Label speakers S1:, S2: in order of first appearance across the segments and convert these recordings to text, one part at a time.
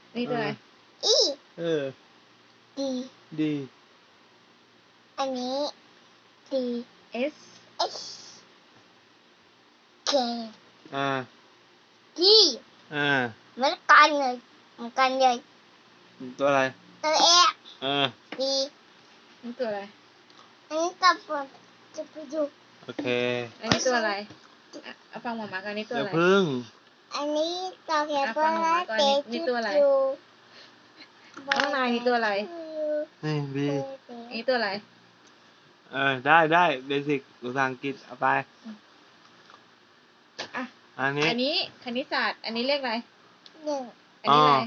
S1: นี่ตัวอะไร
S2: อี
S3: ดี
S2: ดี
S3: อันนี้ดี
S1: S
S3: S K ดีเหมือนกันเลย
S2: ตัวอะไร
S3: ตัวเอดี
S1: นี่ตัวอะไร
S3: อันนี้จะไปดู
S2: โอเค
S1: อันนี้ตัวอะไรเอาฟังหมอมากันนี่ตัวอะไร
S2: พึ่ง
S3: อันนี้ตัวเขียนว่าเตจู
S1: น้องนายนี่ตัวอะไร
S2: นี่บี
S1: นี่ตัวอะไร
S2: ได้เบสิกภาษาอังกฤษเอาไป
S1: อ่ะ
S2: อันนี้
S1: คณิตศาสตร์อันนี้เลขอะไร
S3: 1
S1: อันนี้อะไร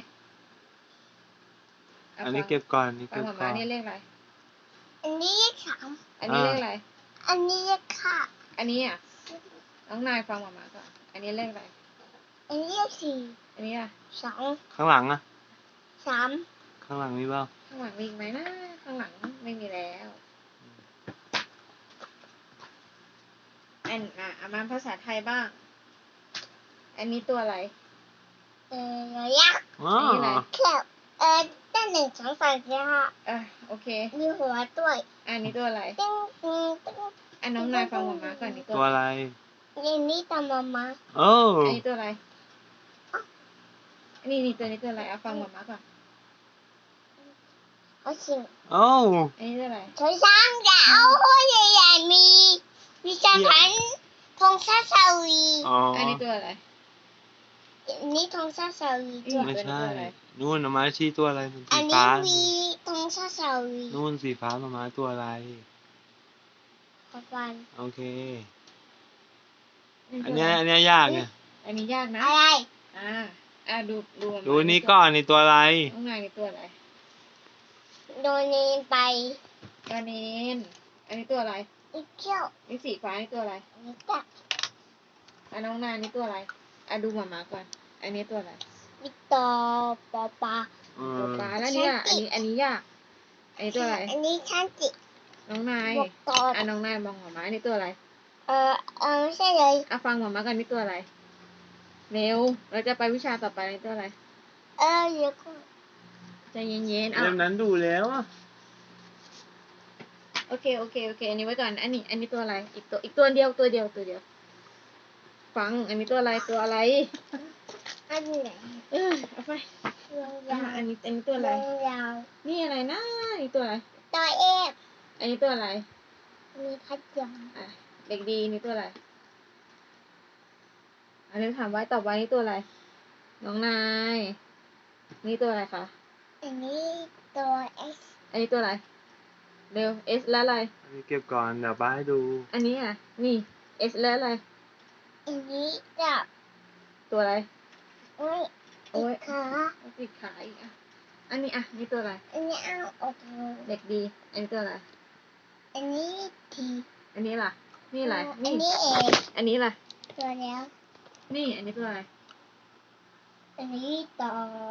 S2: อันนี้เก็บก่อนนี่
S1: ฟัง
S2: เก็บ
S1: หมอ
S2: ก่
S1: มา
S2: อน
S1: นี่เลขอะไร
S3: อันนี้3
S1: อันนี้เลขอะไร
S3: อันนี้ค่ะ
S1: อันนี้อ่ะน้องนายฟังหมอมาก่อนอันนี้เลขอะไร
S3: อันนี้4
S1: อันนี้อ่ะ
S3: 2
S2: ข้างหลังอะ
S3: 3
S2: ข้างหลังมีเปล่า
S1: ข้างหลังมีอีกไหมนะข้างหลังไม่มีแล้วเอามาภาษาไทยบ้างอันนี้ตัวอะไร
S3: ยักษ์
S2: อ๋อ
S3: แค่ด้าน1 2 3 4 5
S1: โอเค
S3: มีหัวด้วย
S1: อันนี้ตัวอะไร
S3: ตึ้ง
S1: อันน้องนายฟังหมอมาก่อนนี่
S2: ตัวอะไร
S3: อันนี้ตามมา
S1: อันนี้ตัวอะไรนี่ตัวนี้ตัวอะไรเอาฟังหมอมาก่อน
S3: ชิง
S1: อันนี้ตัวอะไร
S3: ช้อยช้างจะเอาหัวใหญ่ๆมีจานพันธงชาติซาอุดี
S1: อันนี้ตัวอะไร
S3: อันนี้ธงชาติซาอุดี
S2: ไม่ใช่นู่นมาชี้ตัวอะไรมัน
S3: อันนี้
S2: สีฟ้า
S3: มีธงชาติซาอุดี
S2: นู่นสีฟ้ามาตัวอะไร
S3: ขอบคุณ
S2: โอเคอันนี้ยากไง
S1: อันนี้ยากนะ
S3: อะไร
S1: ดู
S2: นี้ก่อนนี่ตัวอะไร
S1: น้องนายนี่ตัวอะไร
S3: โดนเนนไป
S1: ตัวเนนอันนี้ตัวอะไร
S3: อีเขี้ยว
S1: นี่สีฟ้านี่ตัวอะไร
S3: นี่ตัก
S1: น้องนายนี่ตัวอะไรดูหมาก่อนอันนี้ตัวอะไร
S3: นี่ตัวปลา
S1: แล้วนี่อันนี้ยากอันนี้ตัวอะไร
S3: อันนี้ชันจิ
S1: น้องนายน้องนายมองหมาอันนี้ตัวอะไร
S3: ไม่ใช่เลย
S1: ฟังหมากันนี่ตัวอะไรเร็วเราจะไปวิชาต่อไปนี่ตัวอะไร
S3: เดี๋ยวก่อน
S1: ใจเย็นๆ
S2: เรื่องนั้นดูแล้ว
S1: โอเคอันนี้ไว้ก่อนอันนี้ตัวอะไรอีกตัวเดียวฟังอันนี้ตัวอะไร
S3: อันไหน
S1: เอาไปอันนี้ตัวอะไรนี่อะไรนะนี่ตัวอะไร
S3: ตัว
S1: อันนี้ตัวอะไร
S3: มีพัดยม
S1: เด็กดีนี่ตัวอะไรอันนี้ถามไว้ตอบไว้นี่ตัวอะไรน้องนายนี่ตัวอะไรคะ
S3: อันนี้ตัว S
S1: อันนี้ตัวอะไรเร็ว S แล้วอะไร
S2: อันนี้เก็บก่อนเดี๋ยวป้าให้ดู
S1: อันนี้นี่ S แล้วอะไร
S3: อันนี้จับ
S1: ตัวอะไร
S3: โอ้ย
S1: ติดขาอีกอันนี้นี่ตัวอะไร
S3: อันนี้โอเค
S1: เด็กดีอันนี้ตัวอะไร
S3: อันนี้T
S1: อันนี้ล่ะนี่อะไร
S3: อันนี้ A
S1: อันนี้ล่ะ
S3: ตัวแล้ว
S1: นี่อันนี้ตัวอะไร
S3: อันนี้ตัว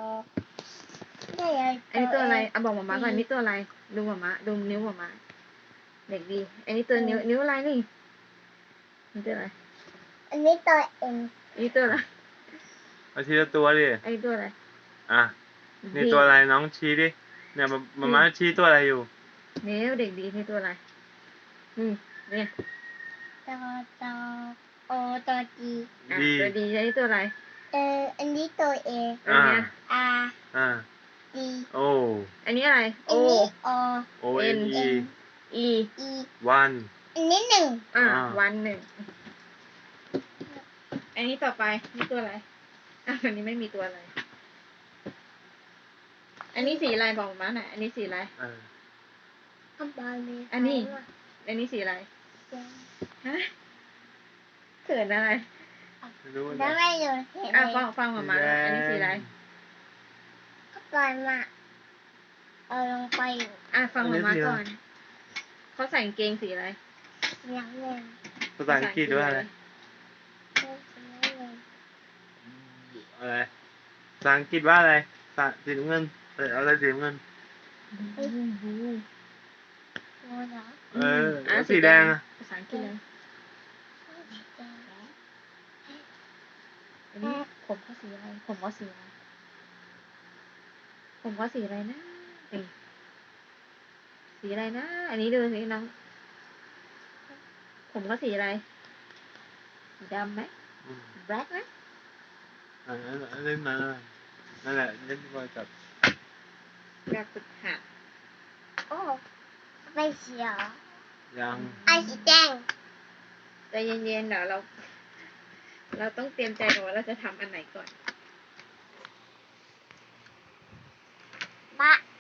S1: อันนี้ตัวอะไรบอกหมาก่อนนี่ตัวอะไรดูหมาดูนิ้วหมาเด็กดีอันนี้ตัวนิ้วอะไรนี่ตัวอะไร
S3: อันนี้ตัว N
S1: อันนี้ตัวอะไร
S2: เอาทีละตัวดิ
S1: อันนี้ตัวอะไร
S2: นี่ตัวอะไรน้องชี้ดิเนี่ยมาชี้ตัวอะไรอยู่
S1: นิ้วเด็กดีนี่ตัวอะไรเนี่ย
S3: ตัวโอตัวดี
S1: ตัวดีอันนี้ตัวอะไร
S3: อันนี้ตัว A
S1: อันนี้
S3: D
S2: โอ
S1: อันนี้อะไร
S3: O
S2: N
S1: E
S2: วัน
S3: อันนี้1
S1: วัน1อันนี้ต่อไปนี่ตัวอะไรอันนี้ไม่มีตัวอะไรอันนี้สีอะไรบอกมาหน่อยอันนี้สีอะไรอันนี้สีอะไรเขินอะไร
S3: ได้ไม่รู้
S1: ฟังมาอันนี้สีอะไร
S3: ก็ก่อนมาเอาลงไป
S1: ฟังมาก่อนเขาใส่กางเกงสีอะไร
S3: น้ำเงิน
S2: ภาษาอังกฤษว่าอะไรภาษาอังกฤษว่าอะไรสีน้ำเงินอะไรสีน้ำเงินสีแดง
S1: ภาษาอังกฤษเลยอันนี้ผมเขาสีอะไรผมว่าสีอะไรผมว่าสีอะไรนะเอ้ยสีอะไรนะ อันนี้ดูสิน้อง ผมก็สีอะไรสีดำไหม
S2: อืม
S1: black ไหม
S2: เล่นมานั่นแหละเล่นบอลกับ
S1: แบบฝึกหัด
S3: โอ้ไปเขียว
S2: ยัง
S3: ไอสีแดง
S1: ใจเย็นๆเดี๋ยวเราต้องเตรียมใจก่อนว่าเราจะทำอันไหนก่อน
S3: บะ